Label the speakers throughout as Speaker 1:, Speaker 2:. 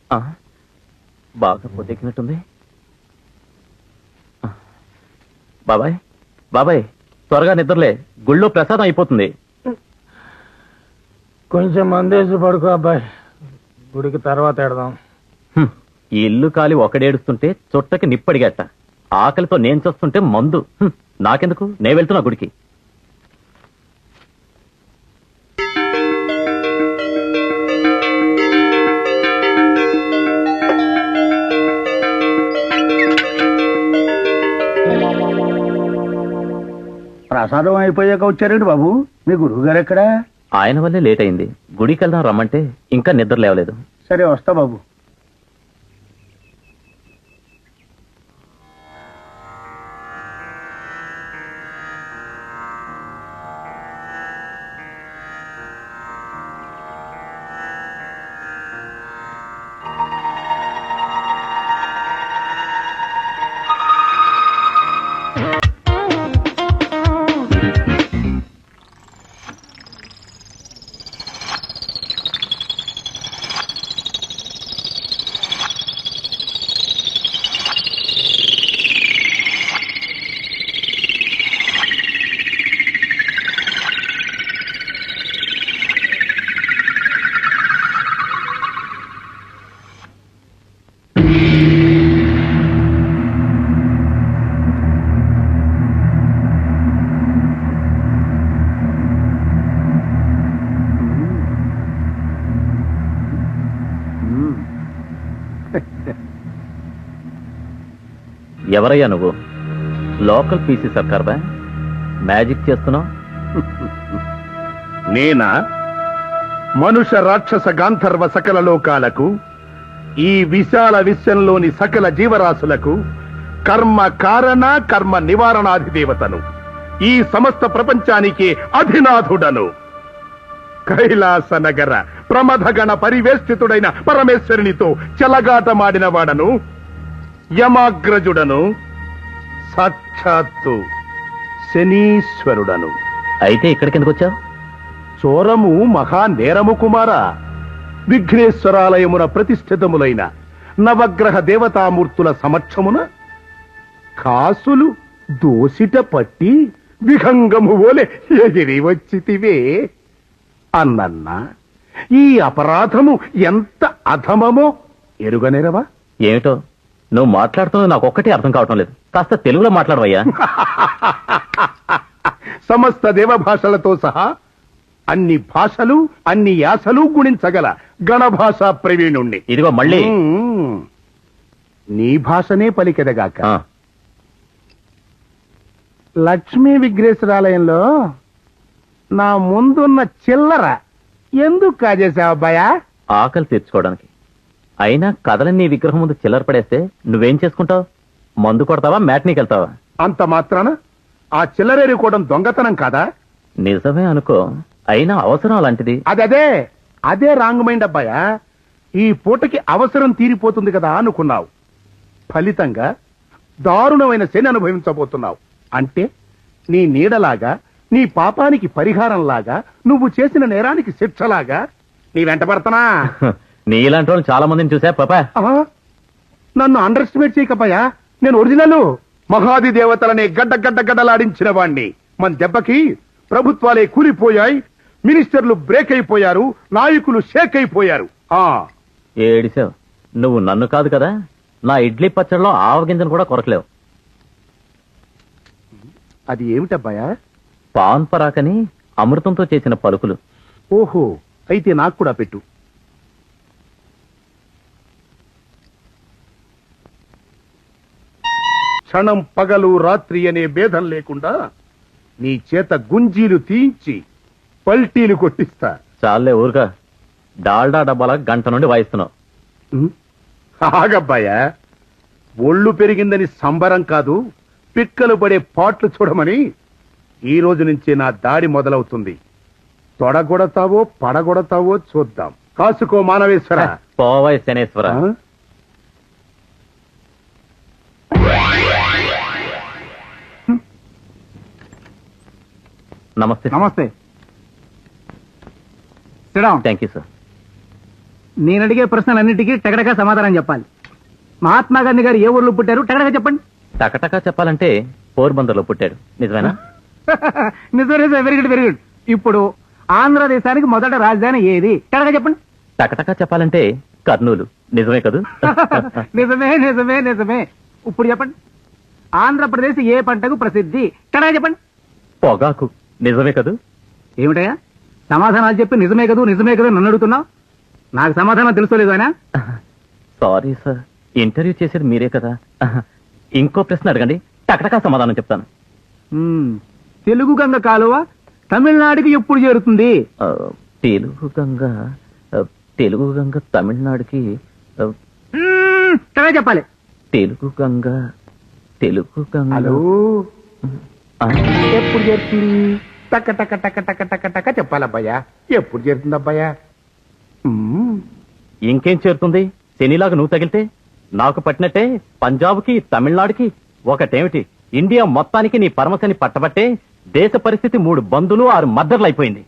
Speaker 1: బాగా పొద్దెక్కినట్టుంది. బాబాయ్ బాబాయ్, త్వరగా నిద్రలే, గుళ్ళో ప్రసాదం అయిపోతుంది.
Speaker 2: కొంచెం మందేసి పడుకో అబ్బాయి, గుడికి తర్వాత ఎడదాం.
Speaker 1: ఈ ఇల్లు కాలి ఒకడేడుస్తుంటే చుట్టకి నిప్పడిగట్ట, ఆకలితో నేను చూస్తుంటే మందు. నాకెందుకు, నేను వెళ్తున్నా గుడికి.
Speaker 2: ప్రసాదం అయిపోయాక వచ్చారండి బాబు, మీ గురువు గారు ఎక్కడా?
Speaker 1: ఆయన వల్లే లేట్ అయింది. గుడికి వెళ్దాం రమ్మంటే ఇంకా నిద్ర లేవలేదు.
Speaker 2: సరే వస్తా బాబు.
Speaker 1: ఎవరయ్యా నువ్వు? లోకల్ పీసీ సర్కార్ బా, మ్యాజిక్ చేస్తున్నావు?
Speaker 3: నేనా? మనుష్య రాక్షస గాంధర్వ సకల లోకాలకు, ఈ విశాల విశ్వంలోని సకల జీవరాశులకు కర్మ కారణ కర్మ నివారణాధిదేవతను, ఈ సమస్త ప్రపంచానికి అధినాథుడను, కైలాస నగర ప్రమథగణ పరివేష్టితుడైన పరమేశ్వరునితో చెలగాటమాడిన వాడను, యమాగ్రజుడను, సాక్షాత్తు శనీశ్వరుడను.
Speaker 1: అయితే ఇక్కడికి ఎందుకు వచ్చావు?
Speaker 3: చోరము మహా నేరము కుమార. విఘ్నేశ్వరాలయమున ప్రతిష్ఠితములైన నవగ్రహ దేవతామూర్తుల సమక్షమున కాసులు దోసిట పట్టి విహంగము ఓలే ఎగిరి వచ్చితివే అన్నన్నా. ఈ అపరాధము ఎంత అధమమో ఎరుగనేరవా?
Speaker 1: ఏమిటో నువ్వు మాట్లాడుతున్నది నాకు ఒక్కటే అర్థం కావటం లేదు. కాస్త తెలుగులో మాట్లాడవయ్యా.
Speaker 3: సమస్త దేవభాషలతో సహా అన్ని భాషలు అన్ని యాసలు గుణించగల గణభాషా ప్రవీణుణ్ణి.
Speaker 1: ఇదిగో మళ్ళీ
Speaker 3: నీ భాషనే పలికెదగాక.
Speaker 2: లక్ష్మీ విఘ్నేశ్వరాలయంలో నా ముందున్న చిల్లర ఎందుకు కాజేశావు అబ్బాయా?
Speaker 1: ఆకలి తీర్చుకోవడానికి. అయినా కదలని నీ విగ్రహం ముందు చిల్లర పడేస్తే నువ్వేం చేసుకుంటావు? మందు కొడతావా, మ్యాట్నీకి వెళ్తావా?
Speaker 3: అంత మాత్రాన ఆ చిల్లరేరుకోవడం దొంగతనం కాదా?
Speaker 1: నిజమే అనుకో, అయినా అవసరం అలాంటిది.
Speaker 3: అదే రాంగ్ మైండ్ అబ్బాయా. ఈ పూటకి అవసరం తీరిపోతుంది కదా అనుకున్నావు. ఫలితంగా దారుణమైన శని అనుభవించబోతున్నావు. అంటే నీ నీడలాగా, నీ పాపానికి పరిహారంలాగా, నువ్వు చేసిన నేరానికి శిక్షలాగా నీ వెంట పడతానా?
Speaker 1: నీలాంటి వాళ్ళు చాలా మందిని చూసా పాపా.
Speaker 3: నన్ను అండర్ ఎస్టిమేట్ చేయకపాయా. నేను ఒరిజినల్ మహాది దేవతలనే గడ్డలాడించిన వాణ్ణి. మన దెబ్బకి ప్రభుత్వాలే కూలిపోయాయి, మినిస్టర్లు బ్రేక్ అయిపోయారు, నాయకులు షేక్ అయిపోయారు.
Speaker 1: ఏడిసావు. నువ్వు నన్ను కాదు కదా, నా ఇడ్లీ పచ్చడిలో ఆవగింజను కూడా కొరకలేవు.
Speaker 3: అది ఏమిటబ్బాయా?
Speaker 1: పాన్ పరాకని అమృతంతో చేసిన పలుకులు.
Speaker 3: ఓహో, అయితే నాకు కూడా పెట్టు. క్షణం పగలు రాత్రి అనే భేదం లేకుండా నీ చేత గుంజీలు తీయించి పల్టీలు కొట్టిస్తా.
Speaker 1: చాలే ఊరుగా, డాల్డా డబ్బాల గంట నుండి వాయిస్తున్నావు.
Speaker 3: ఆగబ్బాయా, ఒళ్ళు పెరిగిందని సంబరం కాదు, పిక్కలు పడే పాట్లు చూడమని ఈ రోజు నుంచే నా దాడి మొదలవుతుంది. తొడగొడతావో పడగొడతావో చూద్దాం. కాసుకో మానవేశ్వర.
Speaker 1: పోవై శనేశ్వర. నమస్తే.
Speaker 2: నమస్తే.
Speaker 1: Thank you sir.
Speaker 2: నేను అడిగే ప్రశ్నలన్నిటికీ టగడగా సమాధానం చెప్పాలి. మహాత్మా గాంధీ గారు ఏ ఊర్లో పుట్టారు? టగడగా చెప్పండి.
Speaker 1: టకటకా చెప్పాలంటే పోర్బందర్లో పుట్టాడు. నిజమేనా?
Speaker 2: నిజమే. Very good, very good. ఇప్పుడు ఆంధ్రదేశానికి మొదట రాజధాని ఏది? టగడగా చెప్పండి.
Speaker 1: టకటకా చెప్పాలంటే కర్నూలు. నిజమే కదూ?
Speaker 2: నిజమే నిజమే నిజమే. ఇప్పుడు చెప్పండి, ఆంధ్రప్రదేశ్ ఏ పంటకు ప్రసిద్ధి? టగడగా చెప్పండి.
Speaker 1: పొగాకు. నిజమే కదూ?
Speaker 2: ఏమిటయ్యా సమాధానాలు చెప్పి నిజమే కదూ నిజమే కదూ నన్ను అడుగుతున్నావు? నాకు సమాధానం తెలుసుకోలేదు ఆయన.
Speaker 1: సారీ సార్, ఇంటర్వ్యూ చేసేది మీరే కదా. ఇంకో ప్రశ్న అడగండి, టకటకా సమాధానం చెప్తాను.
Speaker 2: తెలుగు గంగ కాలువ తమిళనాడుకి ఎప్పుడు చేరుతుంది?
Speaker 1: తెలుగు గంగ తమిళనాడుకి
Speaker 2: టగడగా చెప్పాలి.
Speaker 1: తెలుగు గంగ
Speaker 3: హలో, ఎప్పుడు చేరుతుంది? టక టక టక టక టక టక చెప్పాలబ్బాయా. ఎప్పుడు చేరుతుంది అబ్బాయా?
Speaker 1: ఇంకేం చేరుతుంది? శనిలాగా నువ్వు తగిలితే నాకు పట్టినట్టే పంజాబ్కి తమిళనాడుకి ఒకటేమిటి, ఇండియా మొత్తానికి నీ పరమశని పట్టబట్టే దేశ పరిస్థితి 3 బందులు 6 మద్దర్లు అయిపోయింది.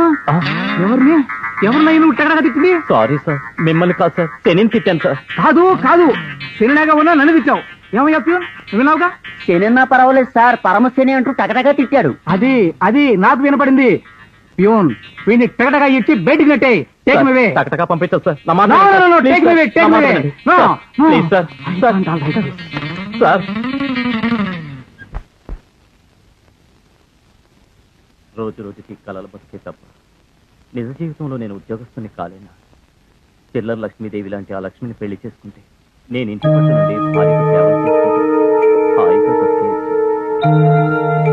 Speaker 2: ఎవరినై నువ్వు టగడగా తిట్టింది?
Speaker 1: సారీ సార్, మిమ్మల్ని కాదు సార్, శనిని తిట్టాను సార్.
Speaker 2: కాదు కాదు, శనిలాగా ఉన్నా నన్ను తిట్టావు. ఏమయ్యా ప్యూన్, విన్నావుగా?
Speaker 4: శనిన్నా పర్వాలేదు సార్, పరమశని అంటూ టగటగా తిట్టాడు.
Speaker 2: అది అది నాకు వినపడింది. ప్యూన్, వీడిని టగటగా ఇచ్చి బయటికి నెట్టే. Take me way.
Speaker 1: టకటకా పంపించదు సార్. నా
Speaker 2: No,
Speaker 1: మాట
Speaker 2: no, no, no,
Speaker 1: వినండి,
Speaker 2: take
Speaker 1: sir.
Speaker 2: me away, take
Speaker 1: నా
Speaker 2: me
Speaker 1: మాట
Speaker 2: away.
Speaker 1: వినండి.
Speaker 2: No,
Speaker 1: sir,
Speaker 2: no.
Speaker 1: Please sir. Sir. రోజు రోజుకి కలలు బతికే తప్ప నిజ జీవితంలో నేను ఉద్యోగస్తుని కాలేనా? చిల్లర లక్ష్మీదేవి లాంటి ఆ లక్ష్మిని పెళ్లి చేసుకుంటే నేను ఇంటి పట్టు నుండి భార్యకు సేవలు చేసుకుంటే హాయిగా బతికేయచ్చు.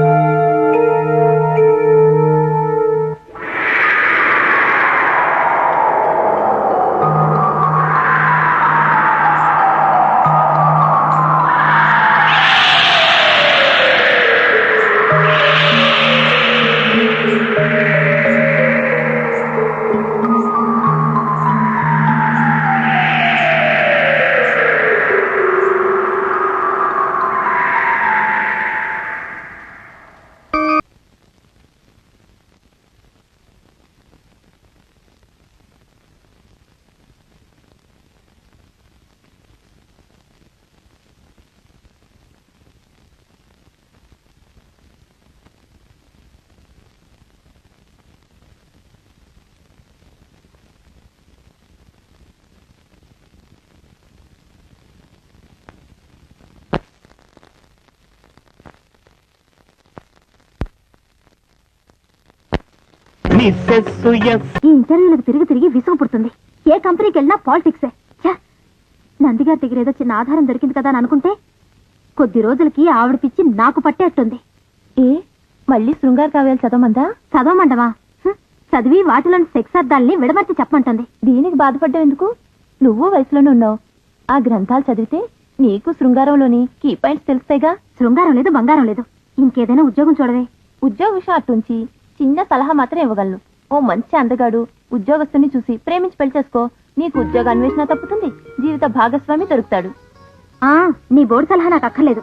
Speaker 5: ఈ ఇంటర్వ్యూలకు తిరిగి తిరిగి విసుగు పుడుతుంది. ఏ కంపెనీకి వెళ్ళినా పాలిటిక్సే. నందిగారి దగ్గర ఏదో చిన్న ఆధారం దొరికింది కదా అని అనుకుంటే కొద్ది రోజులకి ఆవిడ పిచ్చి నాకు పట్టేట్టుంది. ఏ మళ్ళీ శృంగార కావ్యాలు చదవమందా? చదవమంటవా? చదివి వాటిలోని సెక్స్ అర్థాలని విడమర్చి చెప్పమంటుంది. దీనికి బాధపడ్డం ఎందుకు? నువ్వు వయసులోనే ఉన్నావు. ఆ గ్రంథాలు చదివితే నీకు శృంగారంలోని కీ పాయింట్స్ తెలుస్తాయిగా. శృంగారం లేదు, బంగారం లేదు. ఇంకేదైనా ఉద్యోగం చూడవే. ఉద్యోగ విషయం అట్టుంచి చిన్న సలహా మాత్రం ఇవ్వగలను. ఓ మంచి అందగాడు ఉద్యోగస్తుని చూసి ప్రేమించి పెళ్లి చేసుకో. నీకు ఉద్యోగ అన్వేషణ తప్పుతుంది, జీవిత భాగస్వామి దొరుకుతాడు. నీ బోర్డు సలహా నాకు అక్కర్లేదు.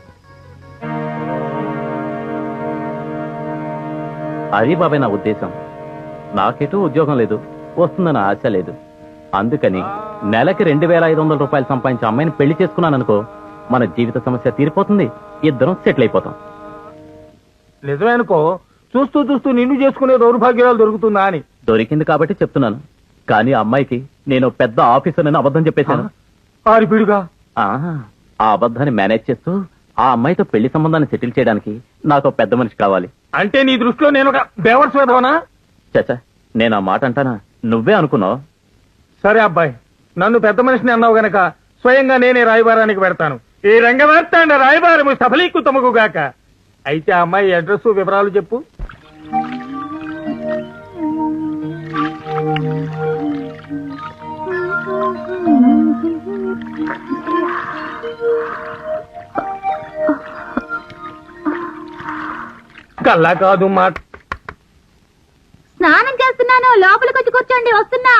Speaker 1: అది బాబాయ్ నా ఉద్దేశం. నాకెటూ ఉద్యోగం లేదు, వస్తుందన్న ఆశ లేదు. అందుకని నెలకి 2,500 రూపాయలు సంపాదించే అమ్మాయిని పెళ్లి చేసుకున్నాను అనుకో, మన జీవిత సమస్య తీరిపోతుంది, ఇద్దరం సెటిల్ అయిపోతాం.
Speaker 2: నిజమే అనుకో, చూస్తూ చూస్తూ నిన్ను చేసుకునే దౌర్భాగ్యాలు దొరుకుతుందా అని.
Speaker 1: దొరికింది కాబట్టి చెప్తున్నాను. కానీ ఆ అమ్మాయికి నేను పెద్ద ఆఫీసర్ అని అబద్ధం చెప్పేశాను.
Speaker 2: ఆరిపిడుగా
Speaker 1: ఆ అబద్ధాన్ని మేనేజ్ చేస్తూ ఆ అమ్మాయితో పెళ్లి సంబంధాన్ని సెటిల్ చేయడానికి నాకు ఒక పెద్ద మనిషి కావాలి.
Speaker 2: అంటే నీ దృష్టిలో నేను ఒక బేవర్స్ వేదవనా?
Speaker 1: చచ్చా, నేను ఆ మాట అంటానా? నువ్వే అనుకున్నావు.
Speaker 2: సరే అబ్బాయి, నన్ను పెద్ద మనిషిని అన్నావు గనక స్వయంగా నేనే రాయబారానికి పెడతాను. ఈ రంగవార్తాండ రాయబారము సఫలీకృతముగాక. అయితే ఆ అమ్మాయి అడ్రస్ వివరాలు చెప్పు. కల్లా కాదు మాట.
Speaker 5: స్నానం చేస్తున్నాను, లోపలికి వచ్చి కూర్చోండి, వస్తున్నా.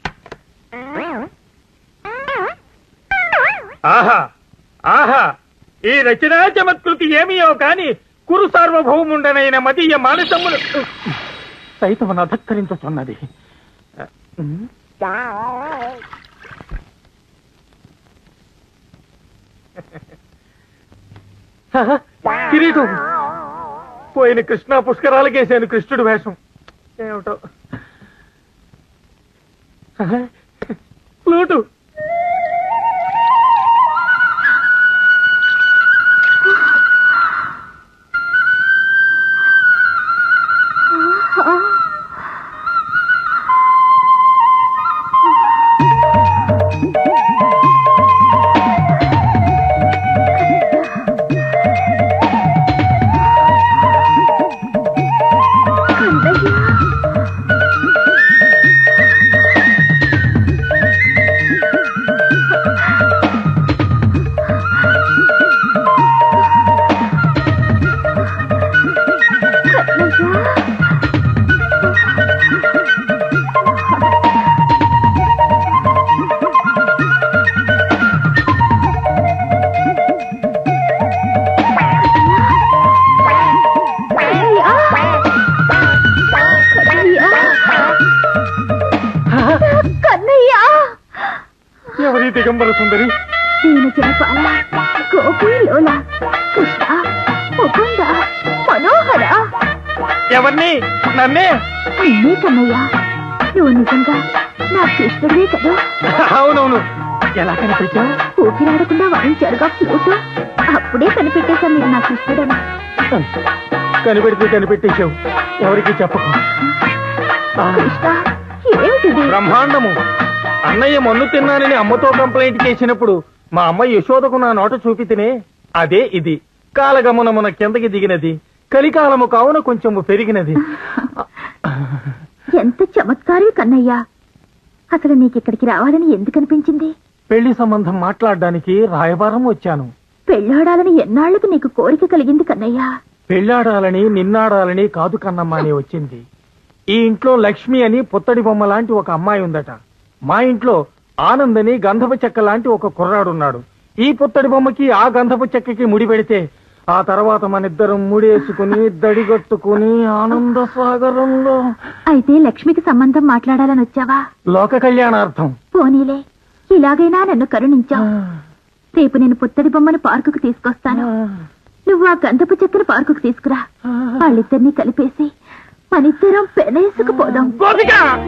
Speaker 2: ఆహా ఆహా, ఈ రచనా చమత్కృతి ఏమియో కాని కురు సార్వభౌముండనైన మదీయ మానసములు సైతం అధక్కరించుతున్నది. కిరీటం పోయిన కృష్ణ పుష్కరాలకేసాను కృష్ణుడు వేషం ఏమిటో. ఫ్లూటు ఎవరి దిగంబర సుందరి?
Speaker 5: దీని జనపాల గోపి లోల కృష్ణ ముకుంద మనోహర.
Speaker 2: ఎవరిని? నన్నే?
Speaker 5: నిన్నే కన్నయ్య. నువ్వు నిజంగా నా కృష్ణుడివే కదా?
Speaker 2: అవునవును. ఎలా కనిపించావు?
Speaker 5: ఊపిరాడకుండా వాయించారుగా ఫ్లూటు. అప్పుడే కనిపెట్టేశా మీరు నా కృష్ణుడని.
Speaker 2: కనిపెడితే కనిపెట్టేశావు. ఎవరికి చెప్పకు.
Speaker 5: కృష్ణ ఏమిటిది?
Speaker 2: బ్రహ్మాండము. అన్నయ్య మన్ను తిన్నానని అమ్మతో కంప్లైంట్ చేసినప్పుడు మా అమ్మ యశోదకు నా నోట చూపితేనే అదే ఇది. కాలగమనమున కిందకి దిగినది, కలికాలము కావున కొంచెము పెరిగినది.
Speaker 5: ఎంత చమత్కారవి కన్నయ్య. అసలు నీకిక్కడికి రావాలని ఎందుకు అనిపించింది?
Speaker 2: పెళ్లి సంబంధం మాట్లాడడానికి రాయబారం వచ్చాను.
Speaker 5: పెళ్ళాడాలని ఎన్నాళ్లకు నీకు కోరిక కలిగింది కన్నయ్య?
Speaker 2: పెళ్లాడాలని నిన్నాడాలని కాదు కన్నమ్మ అని వచ్చింది. ఈ ఇంట్లో లక్ష్మి అని పుత్తడి బొమ్మ లాంటి ఒక అమ్మాయి ఉందట. మా ఇంట్లో ఆనంద్ అని గంధపు చెక్క లాంటి ఒక కుర్రాడున్నాడు. ఈ పుత్తడి బొమ్మకి ఆ గంధపు చెక్కకి ముడి పెడితే ఆ తర్వాత మనిద్దరం ముడేసుకుని దడిగట్టుకుని ఆనంద సాగరంలో.
Speaker 5: అయితే లక్ష్మికి సంబంధం మాట్లాడాలని వచ్చావా?
Speaker 2: లోక కళ్యాణార్థం.
Speaker 5: పోనీలే, ఇలాగైనా నన్ను కరుణించావు. రేపు నేను పుత్తడి బొమ్మను పార్కుకు తీసుకొస్తాను. నువ్వు ఆ గంధపు చెక్కను పార్కుకు తీసుకురా. వాళ్ళిద్దరినీ కలిపేసి మనిద్దరం పెనేసుకుపోదాం.
Speaker 2: గోపిక!